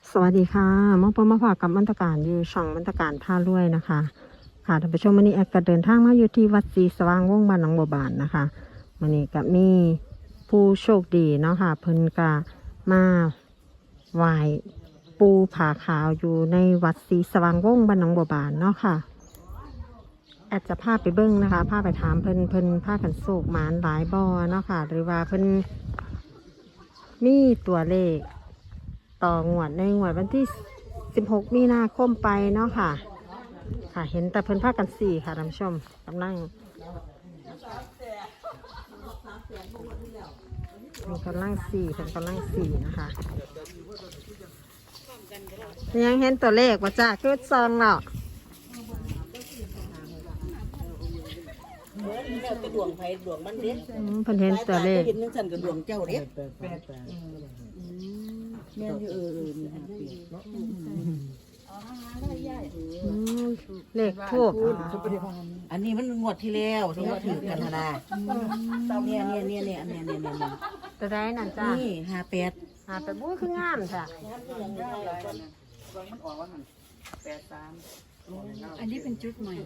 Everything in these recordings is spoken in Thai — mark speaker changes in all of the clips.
Speaker 1: สวัสดีค่ะมาพบมาฝากกับมันตการอยู่ช่องมันตการท่ารวยนะคะค่ะท่านผู้ชมวันนี้แอดก็เดินทางมาอยู่ที่วัดศรีสว่างวงศ์บ้านหนองบัวบานนะคะวันนี้ก็มีผู้โชคดีเนาะค่ะเพิ่นก็มาไหว้ปูผาขาวอยู่ในวัดศรีสว่างวงศ์บ้านหนองบัวบานเนาะค่ะแอดจะพาไปเบิ้งนะคะพาไปถามเพิ่นพากันโศกหมานหลายบ่อเนาะค่ะหรือว่าเพิ่นมีตัวเลขต่องวดในงวดวันที่16มีนาคมไปเนาะค่ะค่ะเห็นแต่เพิ่นพากัน4ค่ะท่านผู้ชมกำลังมีกำลัง4เพิ่นกำลัง4นะคะยังเห็นตัวเลขว่าจ้าคือซองเนาะ
Speaker 2: กระดวงไผดวงมันเด้
Speaker 1: เพิ่นเห็นตัวเลข
Speaker 2: เห็นจังซั่นกระดวงเจ้าเด้แม่นอยู่นี่ฮะ
Speaker 1: เลขทูบ
Speaker 2: อันนี้มันงวดที่แล้วที่เขาถือกันนะเนี่ยอันนี้
Speaker 1: จะได้นั่นจ้า
Speaker 2: นี่58
Speaker 1: หาไปบู้คืองามจ้ะ
Speaker 3: อันนี้เป็นจุดใหม่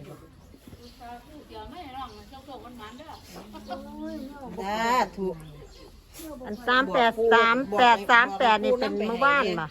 Speaker 2: ถูก
Speaker 1: อัน3838นี่เป็นเมื่อวานป่ะ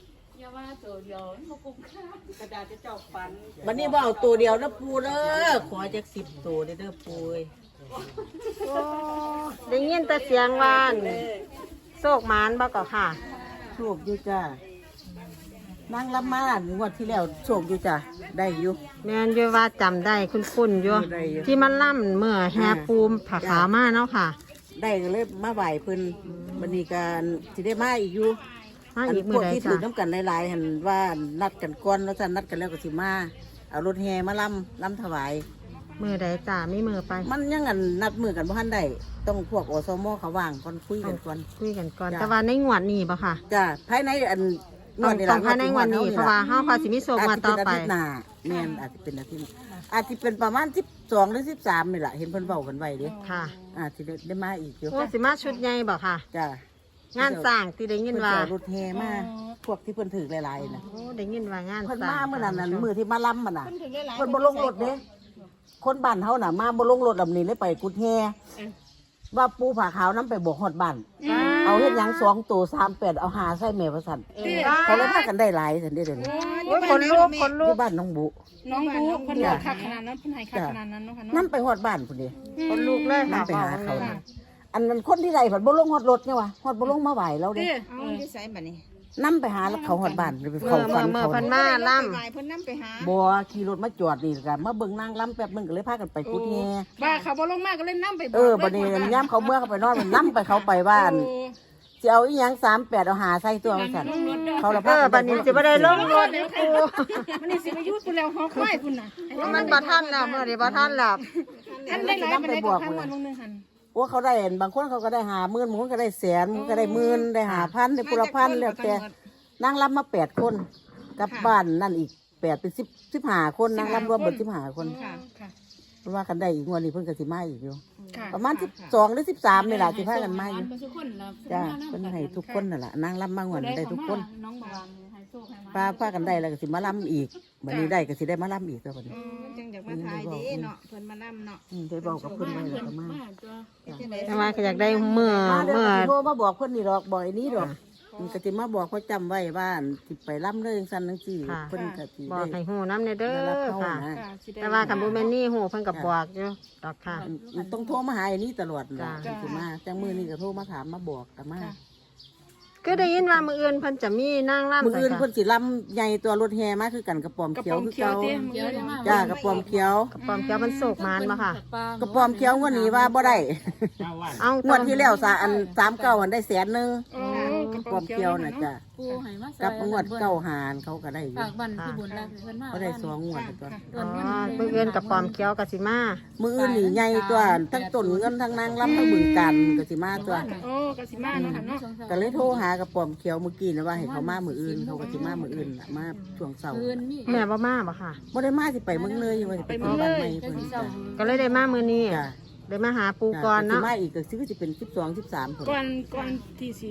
Speaker 2: วันนี้บ่เอาตัวเดียวนะปูเด้อขอจัก10ตัวเด้อปูเอ้ย
Speaker 1: โอ้ได้ยินแต่เสียงว่านโศกหมานบ่ก็ค่ะ
Speaker 2: โชคอยู่จ้านั่งรับมางวดที่แล้วโชคอยู่จ้าได้อยู่
Speaker 1: แม่นอยู่ว่าจำได้คุ้นๆอยู่
Speaker 2: ได้อยู่
Speaker 1: ที่มันล่ำเมื่อแฮปูมผาขาวมาเนาะค่ะ
Speaker 2: ได้ก็เลยมาไหวเพิ่นวันนี้การสิได้มาอีกอยู่
Speaker 1: มา
Speaker 2: อัน
Speaker 1: อีก
Speaker 2: พ
Speaker 1: มื้
Speaker 2: ว
Speaker 1: อก ใด
Speaker 2: ที่
Speaker 1: จ้ะ
Speaker 2: ถือน้ำกันหลายๆหันว่านัดกันก่อนแล้วจะนัดกันแล้วก็สิมาเอารถแห่มาล่ำถวาย
Speaker 1: มื้อใดจ้ะมีมื้อไป
Speaker 2: มันยังอันนัดมือกันบ่ทันได้ต้องพวกอสมเขาว่างก่อนคุยกันก่อน
Speaker 1: คุยกันก่อน
Speaker 2: จ้ะ
Speaker 1: แต่ว่าในงวดนี้บ่ค่ะ
Speaker 2: จ้าภายในอัน
Speaker 1: ต้องภายในงวดนี้เพราะว่าเฮาพาสิมีโศกมาต่อไป
Speaker 2: อาจจะเป็นอาทิตย์หน้าแม่นอาจจะเป็นอาทิตย์อาจจะเป็นประมาณ12หรือ13นี่แหละเห็นเพิ่นเว้ากันไว้เด้
Speaker 1: ค่ะ
Speaker 2: อาจจะได้มาอีกอยู่
Speaker 1: โอ้สิมาชุดใหญ่บ่ค่ะ
Speaker 2: จ้าง
Speaker 1: านสร้างที่ได้ยิ
Speaker 2: เพิ่
Speaker 1: น
Speaker 2: น
Speaker 1: ว่า
Speaker 2: จะเอารถแห่มาพวกที่เพิ่นถือหลายๆน่ะ
Speaker 1: โอ้ได้ยินว่างาน
Speaker 2: เพิ่น
Speaker 1: สร้าง
Speaker 2: มาเมื่อนั้นน่ะมือที่มาล้ำมันน่ะเพิ่นบ่ลงรถเด้คนบ้านเฮาน่ะมาบ่ลงรถลำนี้เลยไปกุดแฮว่าปูผาขาวนํไปบอกฮอดบ้านเอาเฮ็ดหยัง2ตัว38เอาหาใส่แม่ว่าซั่นเขาเลยพากันได้หลายซั่นเด้เดี๋ยวนี้
Speaker 1: โอ้ยคนลูกคน
Speaker 2: อ
Speaker 1: ลูก
Speaker 2: ยู่บ้านน้องบุ
Speaker 3: น้องรู้เพิ่นบอกคักขนาดนั้นเพิ่นให้คักขนาดนั้นเนาะค่ะ
Speaker 2: นํ
Speaker 3: เนาะ
Speaker 2: ไปฮอดบ้านพุ่นเด้
Speaker 1: คนลูกเลย
Speaker 2: นํ
Speaker 1: ค่ะ
Speaker 2: ไปหาเขาน่ะอันนั้นคนที่ใดเพิ่นบ่ลงฮอดรถเนี่ยว่ะฮอดบ่ลงมาไหวแล้วเด้
Speaker 3: เอาที่ใส่บัดนี้
Speaker 2: นํไปหาแล้วเขาฮอดบ้านไป
Speaker 1: เมื่
Speaker 2: เข้า
Speaker 1: อ
Speaker 2: ฝัน
Speaker 1: เมื่อ
Speaker 2: เขา
Speaker 1: เพันมาล่
Speaker 3: ไปเพิ่นนำไปหา
Speaker 2: บ่ขี่รถมาจอดนี่ก็มาเบิ่งนางล้ำแป๊บนึงก็เลยพากันไปกุดแฮ
Speaker 3: ว่าเขาบ่ลงมาก็เลยนำไป
Speaker 2: บัดนี้ย่ำเขาเมื่อเขาไปนอนมันล้ำไปเขาไปบ้านสิเอาอีหยัง38เอาหาใส่ตัวมันสั่นเขาละ
Speaker 1: ำบัดนี้สิบ่ได้ลงรถนี่ครู
Speaker 3: มันนี่สิมายุดพุ่นแล้วฮอควายพุ่นน่ะ
Speaker 1: มันบ่ทันแล้วเมื่อนี้บ่ทันแล้ว
Speaker 3: อันได้หลายปานใดก็ทางวันนึงหั่น
Speaker 2: โอ้เขาได้บางคนเขาก็ได้50,000บางคนก็ได้แสนบางคนก็ได้หมื่นได้5,000ได้ปุระพันแล้วแต่นางล้ำมา8คนกับบ้านนั่นอีก8เป็น15คนนางล้ำรวมเบิด15คน
Speaker 3: ค่ะค่ะ
Speaker 2: เพราะว่ากันได้อีกงวดนี้เพิ่นก็สิมาอีกอยู่
Speaker 3: ค่ะ
Speaker 2: ประมาณ12หรือ13นี่ล่ะสิพากันมาอยู่
Speaker 3: ทุกคนล่ะ
Speaker 2: จ้าเพิ่นให้ทุกคนนั่นล่ะนางล้ำมางวดได้ทุกคน
Speaker 3: น้องบอกว่าให้โชคให้มา
Speaker 2: พากันได้แล้วก็สิมาล้ำอีกบัดนี้ได้ก็สิได้มาล้ำอีกตัวบัดนี้
Speaker 3: จังอยากมาถ่ายดีเนาะเพิ่นมานำเนาะ
Speaker 2: ได้บอกกับเพิ่นไว้แล้วก็มา
Speaker 1: แต่ว่าก็อยากได้เมื่อ
Speaker 2: มาเด้
Speaker 1: เมื่อ
Speaker 2: อโทรมาบอกเพิ่นนี่ดอกบอกไอ้นี้ดอกมันก็สิมาบอกเขาจำไว้ว่าสิไปล้ำเลยจังซั่นจังซี่
Speaker 1: ค่ะ
Speaker 2: เพิ่นก็สิ
Speaker 1: บอกให้ฮู้น้ำเนเด้
Speaker 2: ได้รับ
Speaker 1: อ
Speaker 2: เข้า
Speaker 1: ค่ะ
Speaker 2: นะ
Speaker 1: แต่ว่าคันบ่แม่นนี่ฮู้เพิ่นก็บอกอยู่ดอกค่ะ
Speaker 2: ต้องโทรมาหาไอ้นี้ตลอดล่ะ
Speaker 1: จ้า
Speaker 2: สิมาจังมื้อนี้ก็โทรมาถามมาบอกก็มา
Speaker 1: ก็ได้ยินว่ามื้ออื่นเพิ่นจะมีนางร่ำ
Speaker 2: มื้ออื่น
Speaker 1: จ้ะ
Speaker 2: เพิ่นสิล้ำใหญ่ตัวรถแห่มาคือกันกระป๋อม
Speaker 3: กระ
Speaker 2: เขีย
Speaker 3: ป๋
Speaker 2: ว
Speaker 3: อม
Speaker 2: คือ
Speaker 3: เขียว
Speaker 2: เก่า
Speaker 3: เตี้ย
Speaker 2: จ้ากระป๋อมเขียว
Speaker 1: กระป๋อมเขียวมันโศกมานบ่ค่ะ
Speaker 2: กระป๋อมเขียวงวดนี้ว่าบ่ได้
Speaker 1: เอา
Speaker 2: งวดที่แล้วอัน39อันได้แสนนึง
Speaker 3: โอ้
Speaker 2: กระป๋อมเขียวน่ะจ้ะ
Speaker 4: ปูให้มาใส่
Speaker 2: กับงวดเก้าหารเขาก็ได้อยู่
Speaker 4: ฝากบันที่บุญรักเพิ่นมา
Speaker 2: เขาได้2งวดตัว
Speaker 1: อ๋อมื้ออื่นกระป๋อมเขียวก็สิมา
Speaker 2: มื้ออื่นนี่ใหญ่ตัวทั้งต้นเงินทั้งนางรับทั้งบึงกันก็สิมาตัว
Speaker 3: โอ้กสิมาเนาะค่ะเนาะ
Speaker 2: ก็เลยโทรหากระป๋อมเขียวเมื่อกี้นะว่าให้เขามามื้ออื่นเขาก็สิมามื้ออื่นน่ะมาช่วงเช้า
Speaker 4: คืนมี
Speaker 1: แม่บ่มาบ่ค่ะ
Speaker 2: บ่ได้มาสิไปเมืองเลยว่าสิไปเมืองบ้านใหม่เพิ่นจ้ะ
Speaker 1: ก็เลยได้มามื้อนี้
Speaker 2: จ้ะ
Speaker 1: ได้มาหาปูก่อนเนาะ
Speaker 2: สิมาอีกก็สิเป็น12 13พุ่น
Speaker 3: ก่อนที่สิ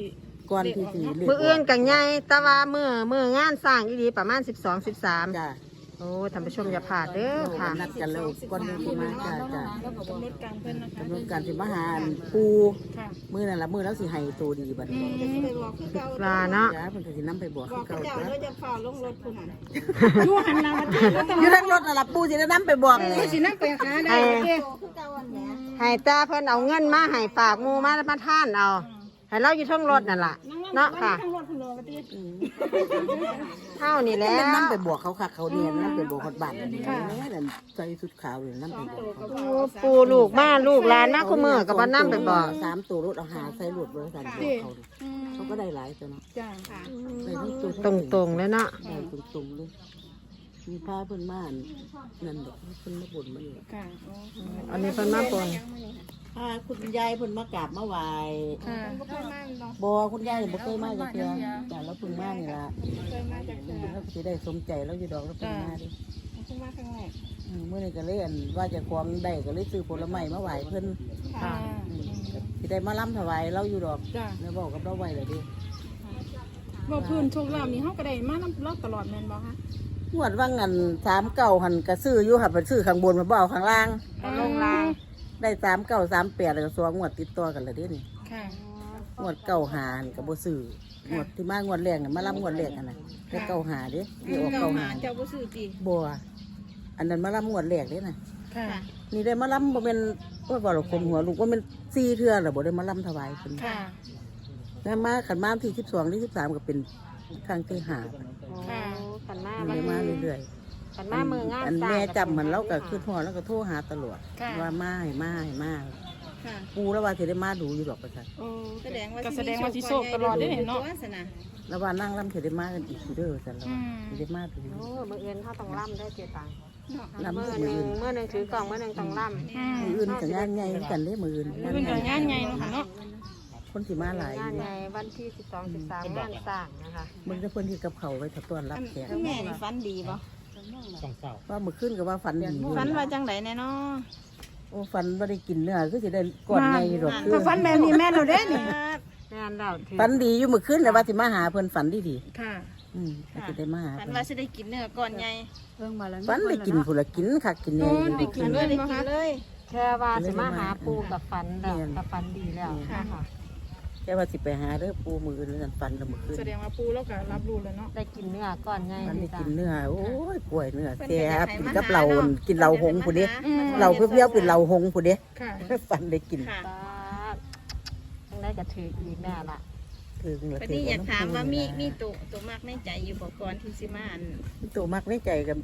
Speaker 2: ก่อนที่สิเลข
Speaker 1: มื้ออื่นกันใหญ่แต่ว่ามื้องานสร้างอีหลีประมาณ12 13
Speaker 2: จ้า
Speaker 1: โอ้ท่านผู้ชมอย่าพลาดเด้อค่ะ
Speaker 2: นัดกันแล้วก่อนที่สิมาจ้าจ้า
Speaker 3: แล้วก็กำหนดการเพิ่นนะคะ
Speaker 2: กำหนดการสิมาหาปู
Speaker 3: ค่ะ
Speaker 2: มื้อนั่นล่ะมื้อแล้วสิให้ตัวดีบัดนี้
Speaker 3: จะสิไปบอกคือเก่า
Speaker 1: ปลาเนาะ
Speaker 2: จ้าเพิ่นก็สินำไปบอก
Speaker 3: บ
Speaker 2: คือ อก
Speaker 3: กับ
Speaker 2: เก่า
Speaker 3: เจ้า
Speaker 2: จ้า
Speaker 3: แล้วจะฝ่าลงรถผู้นั้นอยู่หันหน้ามาที่รถ
Speaker 2: อยู่ทางรถน่ะล่ะปูสิได้นำไปบอกนี่
Speaker 3: สินั่งไปหาได้เด้
Speaker 1: ให้ตาเพิ่นเอาเงินมาให้ฝากหมู่มาท่านเอาให้เราอยู่เทั้งรถนั่นล่ะเนาะค่ะ
Speaker 3: ทั้งรถทั้งรถติ
Speaker 1: เท่านี่แหล้
Speaker 2: แม่น
Speaker 1: ว
Speaker 2: นำไปบอกเขาค่ะเขาเนี่ยนำไปบอกฮอดบ้านนี่นั่นใส่ชุดขาวเลยนำไปบอกเขา
Speaker 1: โอ้ปูลูกมาลูกหลานมาคุมือกับบ้านน้ำไปบอก
Speaker 2: 3ตัวรถเอาหาใส่รถไว้สั่นบอกเขาดิเขาก็ได้หลายตัวเนาะ
Speaker 3: จ้าค่ะ
Speaker 2: ได้ทั้งตัว
Speaker 1: ตรงๆเลยเนาะ
Speaker 2: ได้ตรงๆเลยมีผ้าเพิ่นมาอันนั่นดอกเพิ่นมาบ่นมาอยู่
Speaker 3: ค่ะ
Speaker 1: อันนี้เพิ่นมาปน
Speaker 2: คุณยายเพิ่นมากราบมาไหว้
Speaker 3: ค่ะบ่เคยมาเนาะ
Speaker 2: บ่คุณยายบ่เคยมาจักเทื่อแต่แล้วเพิ่งมานี่ล่ะ
Speaker 3: เคยมาจากเทื่อ
Speaker 2: แล้วสิได้สมใจแล้วอยู่ดอกแล้วเพิ่งมาดิ
Speaker 3: เพิ่งมาครั้งแรก
Speaker 2: มื้อนี้ก็เลยอันว่าจะควงได้ก็เลยซื้อผลไม้มาไหว้เพิ่น
Speaker 3: ค่ะ
Speaker 2: สิได้มาล้ำถวายเราอยู่ดอก
Speaker 3: จ้า
Speaker 2: แล้วบอกกับเราไว้เลยดิ
Speaker 3: บ่พื้นโชคลาภนี่เฮาก็ได้มานำรอบตลอดแม่นบ่คะ
Speaker 2: งวดว่างัน39หันก็ซื้ออยู่ค่ะไปซื้อข้างบนมาบ่เอาข้างล่าง
Speaker 1: ลงลาง
Speaker 2: ได้39 38แล้วก็สองงวดติดต่อกันเลยเด้นี่
Speaker 3: ค่ะ
Speaker 2: งวด9หาหั่นก็บ่ซื้องวดที่มางวดแรกน่ะมาล้ำงวดแรกอันน่ะได้9หาเด้นี่ออก9หา
Speaker 3: เจ้าบ่ซื้อติ
Speaker 2: บ่อันนั้นมาล้ำงวดแรกเด้น่ะ
Speaker 3: ค่ะ
Speaker 2: นี่ได้มาล้ำบ่แม่นว่าบ่หรอกคมหัวลูกว่าแม่น4เทื่อแล้วบ่ได้มาล้ำถวายเพิ่น
Speaker 3: ค่ะ
Speaker 2: แล้วมาขันมาที่12ที่13ก็เป็นครั้งที่ห้า
Speaker 3: ค่ะ
Speaker 1: ขันมา
Speaker 2: เลยมาเรื่อย
Speaker 1: ขันมามืองาน
Speaker 2: ๆอัน
Speaker 1: สร้าง
Speaker 2: แม่จำมันเราก็คือพ่อแล้วก็โทรหาตลอด
Speaker 3: ค่ะ
Speaker 2: ว่ามาให้มาให้มา
Speaker 3: ค่ะ
Speaker 2: ปูแล้วว่าสิได้มาดูอยู่ดอกประชัน
Speaker 3: โอ้แสดงว่าสิโชคตลอดได้เนาะ
Speaker 2: แล้วว่านั่งล่ำสิได้มากันอีกอยู่เด้อสันแล้ว
Speaker 3: อืม
Speaker 2: สิได้มาดู
Speaker 1: โอ้มืออื่นเขาต้องล่ำได้เจียตัง
Speaker 2: ล่ำ
Speaker 1: มือ
Speaker 2: มื
Speaker 1: ห
Speaker 2: อ
Speaker 1: นึ่ง
Speaker 2: อื่น
Speaker 1: มือหนึ่งถือกล่องมือหนึ่งต้องล่ำ
Speaker 2: มืออื่นกับงานใหญ่กันเด้มืออื่น
Speaker 3: เพิ่นก็งานใหญ่เนาะค่ะเนาะ
Speaker 2: คนสิมาหลาย
Speaker 1: งานใหญ่วันที่12 13งานสร้างนะคะ
Speaker 2: มึงจะเพิ่นที่กับเขาไว้ถ้าต้อนรับแขก
Speaker 3: แม่นี่ฝันดีบ่
Speaker 2: ว่ามื้อคืนก็ว่าฝันดีอยู่
Speaker 3: ฝันว่าจังไดแน่เนาะ
Speaker 2: โอ้ฝันว่าได้กินเนื้อคือสิได้ก่อนใหญ่อยู่ดอกคื
Speaker 3: ก็ฝันแบบนี้แม่นแล้วเด้นี่
Speaker 1: งานเราถือ
Speaker 2: ฝันดีอยู่มื้อคืนแต่ว่าสิมาหาเพิ่นฝันดี
Speaker 3: ค่ะ
Speaker 2: ๆก็สิได้มาหา
Speaker 3: ฝัน
Speaker 2: เพิ่น
Speaker 3: ว่าสิได้กินเนื้อก่อนใหญ่
Speaker 2: ฝันได้กินพุ่นละกินคักกินแหน่อยู่
Speaker 3: ได้กินเลยบ่คะเลย
Speaker 1: แค่ว่าสิมาหาปูกับฝันแล้วกับฝันดีแล้วค่ะ
Speaker 2: แค่ว่าสิไปหาเด้อปูมือนั่นฝันละมื้อคืน
Speaker 3: แสดงว่าปู่เราก็รับรู้แล้วเนาะ
Speaker 1: ได้กินเนื้อก่อนไง
Speaker 2: มันได้
Speaker 1: จ้ะ
Speaker 2: กินเนื้อโอ้ยป่วยเนื้อแซ่บกินกับเหล้ากินเหล้าหงผู้เด้เหล้าเปรี้ยวๆเป็นเหล้าหงผู้เด้
Speaker 3: ค่ะ
Speaker 2: ฝันได้กิน
Speaker 3: ค่ะ
Speaker 1: ป้าต้องได้กระถืออีกแม่ละ
Speaker 2: ถึงละ
Speaker 3: วันนี้อยากถามว่ามีตัวมากในใจอยู่บ่ก่อนที่สิมาอัน
Speaker 2: ตัวมักในใจกับ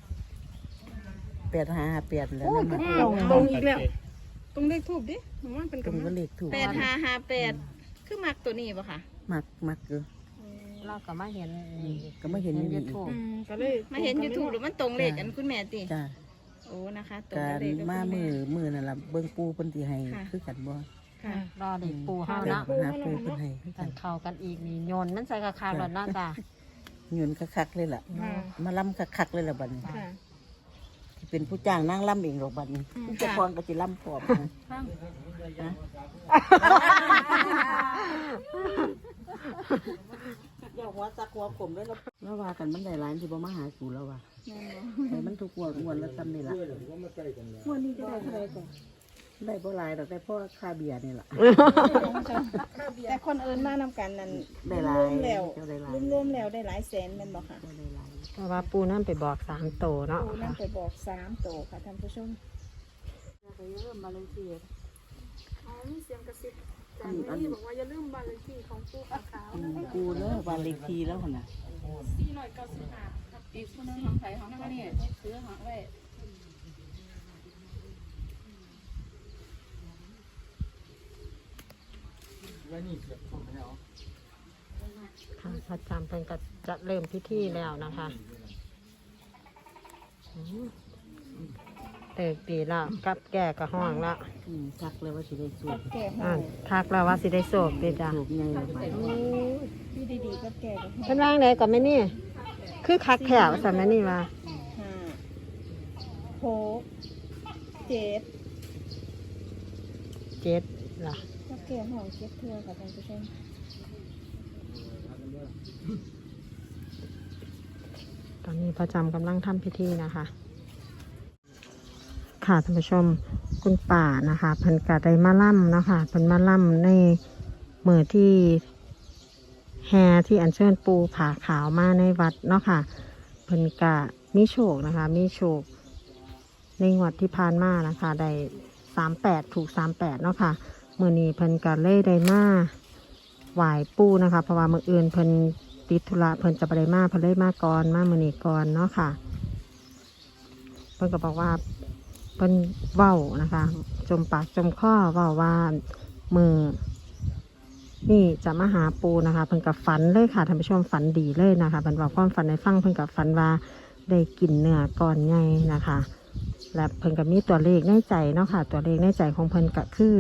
Speaker 2: 8558แล้วนะมัน
Speaker 3: ตรงอีกแล้วตรงเลขทูบดิผมว่าเป็น
Speaker 2: ตรงก็เลขถูก
Speaker 3: 8558คือมักตัวนี้บ่ค่ะ
Speaker 2: มักอยู่
Speaker 1: เราก็มาเห็น
Speaker 2: ก็ไม่เห็นอยู่
Speaker 1: ยู
Speaker 2: อีก
Speaker 1: ทูบ
Speaker 3: ก็เลยมาเห็น YouTube หรือมันตรงเลขกันคุณแม่ติ
Speaker 2: จ้า
Speaker 3: โอ้นะคะตรง
Speaker 2: การ
Speaker 3: เลขกับ
Speaker 2: มา
Speaker 3: คุณแ
Speaker 2: มือนั่นล่ะเบิ่งปูเพิ่นสิให้คือกันบ่
Speaker 3: ค่ะ
Speaker 1: รอเด็กปูเฮา
Speaker 2: จ้า
Speaker 1: เนาะ
Speaker 2: หาปูเพิ่นให้คือ
Speaker 1: กั
Speaker 2: กัน น
Speaker 1: เข้ากันอีกนี่โยนมันใส่กระคาหลอดเนาะจ้ะ
Speaker 2: เงินคักๆเลยล่ะ
Speaker 3: ค่ะ
Speaker 2: มาล้ำคักๆเลยล่ะบัดนี้
Speaker 3: ค่ะ
Speaker 2: ที่เป็นผู้จ้างนั่งล่ำเองหรอกบัดนี้
Speaker 3: อืม
Speaker 2: เจ้าของก็สิล่ำพร้อมนะอย่าหัวซักหัวขมด้วยนะแล้วว่ากันมันได้หลายที่บ่มาหากูแล้วว่าแต่มันถูกงวดละซ้ำนี่ล่ะงวดนี้จะได้เท่าไหร่ก่อนได้บ่หลายดอกได้เพราะค่าเบียร์นี่ล่ะ
Speaker 3: แต่คนอื่นมานำกันนั่น
Speaker 2: ได้หลาย
Speaker 3: รวมแล้ว
Speaker 2: เจ้าได้หลาย
Speaker 3: รวมแล้วได้หลายแสนแม่นบ่ค่ะ
Speaker 2: เจ้าได้หลาย
Speaker 1: เพราะว่าปูนั่นไปบอก3โตเนาะ
Speaker 3: ปู่นั่นไปบอก3โตค่ะท่านผู้ชม มีเสียงกระซิบจากนี่บอกว่าอย่าลืมบ้านเลขที่ของปู่ขาว
Speaker 2: กูเลิกวันเลขทีแล้วหั่นน่ะ
Speaker 4: อีกคนนึงของไทยของนั่นนี่ซื้อหาไว้
Speaker 1: ค่ะพระอาจารย์เพิ่นก็จะเริ่มพิธีแล้วนะคะเติกดีแล้วกับแก่กับห้องแล้ว
Speaker 2: ทักเลยว่าสิได้สูบ
Speaker 3: แก่
Speaker 1: อ่าทักแล้วว่าสิได้โศกดีจ้ะ
Speaker 2: สูบไงเลยไป
Speaker 3: พี่ดีๆก็แก่ก็
Speaker 1: เพิ่นว่างไดก็ไม่นี่ คือคักแถวสัมแม่นี่ว่า
Speaker 3: 5 6 7
Speaker 1: 7ล่ะ
Speaker 3: ก็แก่ห้อง7เทื่อค่ะท่านผู้ชม
Speaker 1: ตอนนี้ประจำกำลังทำพิธีนะคะค่ะท่านผู้ชมคุณป่านะคะเพิ่นกะได้มาล่ำเนาะค่ะเพิ่นมาล่ำในมือที่แฮที่อัญเชิญปูผาขาวมาในวัดเนาะค่ะเพิ่นกะมีโชคนะคะมีโชคในงวดที่ผ่านมานะคะได้38ถูก38เนาะค่ะมื้อนี้เพิ่นกะเลยได้มาไหว้ปูนะคะเพราะว่ามื้ออื่นเพิ่นติดธุระเพิ่นจะบ่ได้มาเพิ่นเลยมาก่อนมามื้อนี้ก่อนเนาะค่ะเพิ่นก็บอกว่าเพิ่นเว้านะคะจมปากจมคอเว้าว่ามือนี่จะมาหาปูนะคะเพิ่นกับฝันเลยค่ะท่านผู้ชมฝันดีเลยนะคะเพิ่นบอกความฝันในฟังเพิ่นกับฝันว่าได้กินเนื้อก่อนใหญ่นะคะและเพิ่นกับมีตัวเลขในใจเนาะค่ะตัวเลขในใจของเพิ่นก็คือ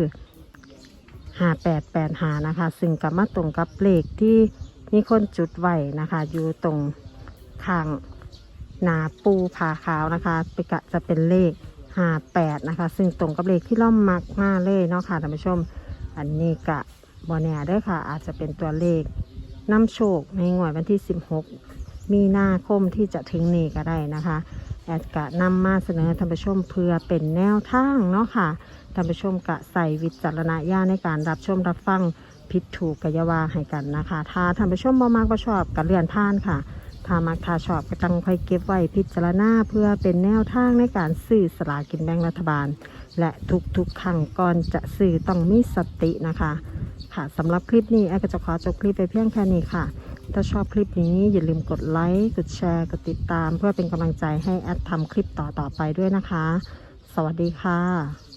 Speaker 1: 5885นะคะซึ่งกับมาตรงกับเลขที่มีคนจุดไว้นะคะอยู่ตรงข้างหน้าปูผาขาวนะคะจะเป็นเลข58นะคะซึ่งตรงกับเลขที่ล่อมมักมาเลยเนาะค่ะท่านผู้ชมอันนี้กะบอแน่เด้อค่ะอาจจะเป็นตัวเลขนำโชคในงวดวันที่16มีนาคมที่จะถึงนี้ก็ได้นะคะแอดกะนำมาเสนอท่านผู้ชมเพื่อเป็นแนวทางเนาะค่ะท่านผู้ชมกะใส่วิจารณญาณในการรับชมรับฟังผิดถูกกะยาวาให้กันนะคะถ้าท่านผู้ชมบ่มักบ่ชอบกะเลื่อนผ่านค่ะถ้ามักถ้าชอบก็ต้องค่อยเก็บไว้พิจารณาเพื่อเป็นแนวทางในการซื้อสลากกินแบ่งรัฐบาลและทุกๆครั้งก่อนจะซื้อต้องมีสตินะคะค่ะสำหรับคลิปนี้แอดก็จะขอจบคลิปไปเพียงแค่นี้ค่ะถ้าชอบคลิปนี้อย่าลืมกดไลค์กดแชร์กดติดตามเพื่อเป็นกำลังใจให้แอดทำคลิปต่อไปด้วยนะคะสวัสดีค่ะ